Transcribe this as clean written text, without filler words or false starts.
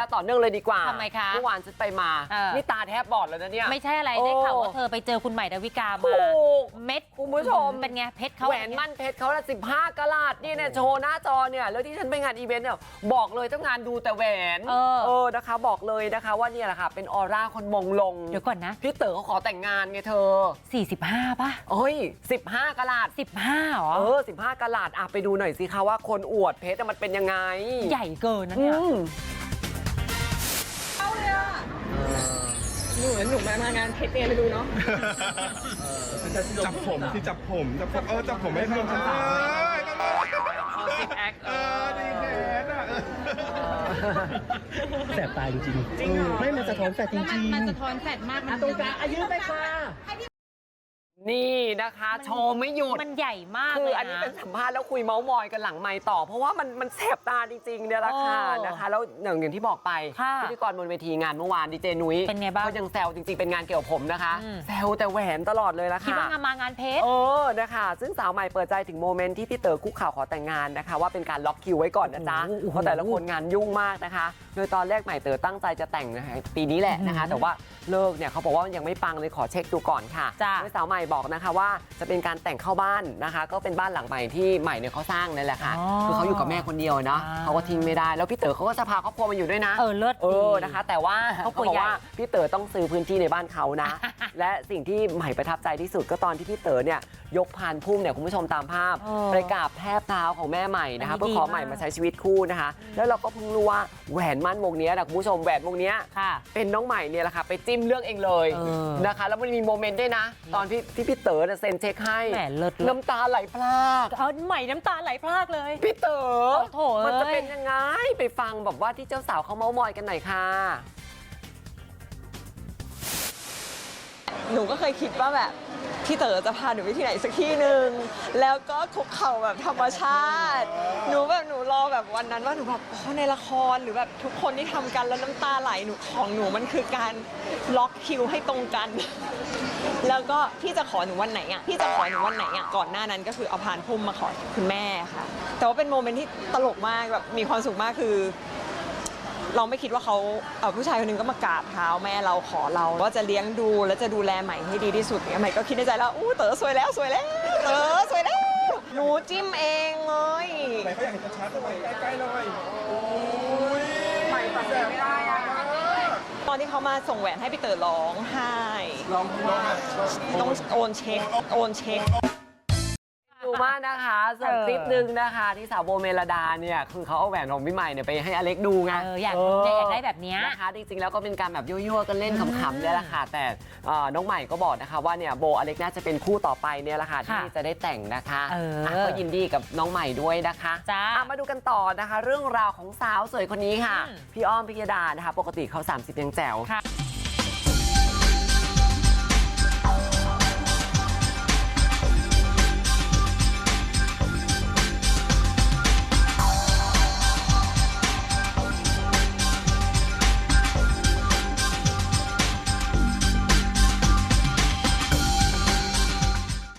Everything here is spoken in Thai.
ต่อเนื่องเลยดีกว่าทำไมคะเมื่อวานฉันไปมานี่ตาแทบบอดแล้วนะเนี่ยไม่ใช่อะไรได้ข่าวว่าเธอไปเจอคุณใหม่ดาวิกามาเม็ดคุณผู้ชมเป็นไงเพชรเขาแหวนมั่นเพชรเขาละ15 กะรัตนี่เนี่ยโชว์หน้าจอเนี่ยแล้วที่ฉันไปงานอีเวนต์เนี่ยบอกเลยเจ้างานดูแต่แหวนนะคะบอกเลยนะคะว่าเนี่ยแหละค่ะเป็นออร่าคนมงลงเดี๋ยวก่อนนะพี่เต๋อเขาขอแต่งงานไงเธอ 45ป่ะเอ้ย15 กะรัต 15หรอ 15 กะรัตไปดูหน่อยสิคะว่าคนอวดเพชรมันเป็นยังไงใหญ่เกินนะเนี่ยเอาเลยอ่ะหนูมางานเพชรเนี่ยไปดูเนาะจับผมที่จับผมจับผมไม่ลงฉันติดแอคดีแขนอ่ะแสบตาจริงๆไม่มันสะท้อนแสบจริงๆมันสะท้อนแสบมากตรงกลางอายุไปค่ะนี่นะคะโชว์ไม่หยุดมันใหญ่มากคืออันนี้เป็นสัมภาษณ์แล้วคุยเมาส์มอยกันหลังไมค์ต่อเพราะว่ามันแสบตาจริงๆเนี่ยแหละค่ะนะคะแล้วอย่างที่บอกไปพิธีกรบนเวทีงานเมื่อวานดีเจนุ้ยเป็นไงบ้างเขายังแซวจริงๆเป็นงานเกี่ยวกับผมนะคะแซวแต่แหวนตลอดเลยละค่ะคิดว่ามางานเพชรนะคะซึ่งสาวใหม่เปิดใจถึงโมเมนต์ที่พี่เต๋อคุกเข่าขอแต่งงานนะคะว่าเป็นการล็อกคิวไว้ก่อนนะจ๊ะเพราะแต่ละคนงานยุ่งมากนะคะโดยตอนแรกใหม่เต๋อตั้งใจจะแต่งปีนี้แหละนะคะแต่ว่าเลิกเนี่ยเขาบอกว่ายังไม่ปังเลยขอเช็คดูก่อนค่ะโดยสาวใหม่บอกนะคะว่าจะเป็นการแต่งเข้าบ้านนะคะก็เป็นบ้านหลังใหม่ที่ใหม่เนี่ยเขาสร้างนั่นแหละค่ะคือเขาอยู่กับแม่คนเดียวเนาะเขาก็ทิ้งไม่ได้แล้วพี่เต๋อเขาก็จะพาครอบครัวมาอยู่ด้วยนะเลิศนะคะแต่ว่าเขาบอกว่าพี่เต๋อต้องซื้อพื้นที่ในบ้านเขานะและสิ่งที่ใหม่ประทับใจที่สุดก็ตอนที่พี่เต๋อเนี่ยยกพานพุ่มเนี่ยคุณผู้ชมตามภาพไปกราบแทบเท้าของแม่ใหม่นะคะเพื่อขอใหม่มาใช้ชีวิตคู่นะคะแล้วเราก็เพิ่งรู้ว่าแหวนมั่นวงนี้นะคุณผู้ชมแหวนวงนี้เป็นน้องใหม่เนี่ยแหละค่ะไปจิ้มเลือกเองเลยนะคะแล้วมันมีโมเมนต์ด้วยนะตอนที่พี่เต๋อเซ็นเช็คให้น้ำตาไหลพรากใหม่น้ำตาไหลพรากเลยพี่เต๋อมันจะเป็นยังไงไปฟังแบบว่าที่เจ้าสาวเขาเม้ามอยกันหน่อยค่ะหนูก็เคยคิดว่าแบบพี่เต๋อจะพาหนูไปที่ไหนสักที่หนึ่งแล้วก็คุกเข่าแบบธรรมชาติหนูรอแบบวันนั้นว่าหนูแบบในละครหรือแบบทุกคนที่ทำกันแล้วน้ำตาไหลของหนูมันคือการล็อกคิวให้ตรงกันแล้วก็พี่จะขอหนูวันไหนอ่ะก่อนหน้านั้นก็คือเอาพานพุ่มมาขอคุณแม่ค่ะแต่ว่าเป็นโมเมนต์ที่ตลกมากแบบมีความสุขมากคือเราไม่คิดว่าเขาผู้ชายคนนึงก็มากราบเท้าแม่เราขอเราว่าจะเลี้ยงดูและจะดูแลใหม่ให้ดีที่สุดเนี่ยใหม่ก็คิดในใจแล้วอู้เต๋อสวยแล้วเต๋อสวยแล้วหนูจิ้มเองเลยไหนเขาอยากเห็นชัดๆเลยใกล้ๆเลยใหม่ตัดสินไม่ได้อะตอนที่เขามาส่งแหวนให้พี่เต๋อร้องไห้ต้องโอนเช็คดูมากนะคะส่วนคลิปนึงนะคะที่สาวโบเมลดาเนี่ยคือเขาเอาแหวนของพี่ใหม่เนี่ยไปให้อเล็กดูไงอยากได้แบบนี้นะคะจริงๆแล้วก็เป็นการแบบยั่วๆกันเล่นขำๆเนี่ยแหละค่ะแต่น้องใหม่ก็บอกนะคะว่าเนี่ยโบอเล็กน่าจะเป็นคู่ต่อไปเนี่ยแหละค่ะที่จะได้แต่งนะคะก็ยินดีกับน้องใหม่ด้วยนะคะมาดูกันต่อนะคะเรื่องราวของสาวสวยคนนี้ค่ะพี่อ้อมพิยดานะคะปกติเขา30ยังแจ๋ว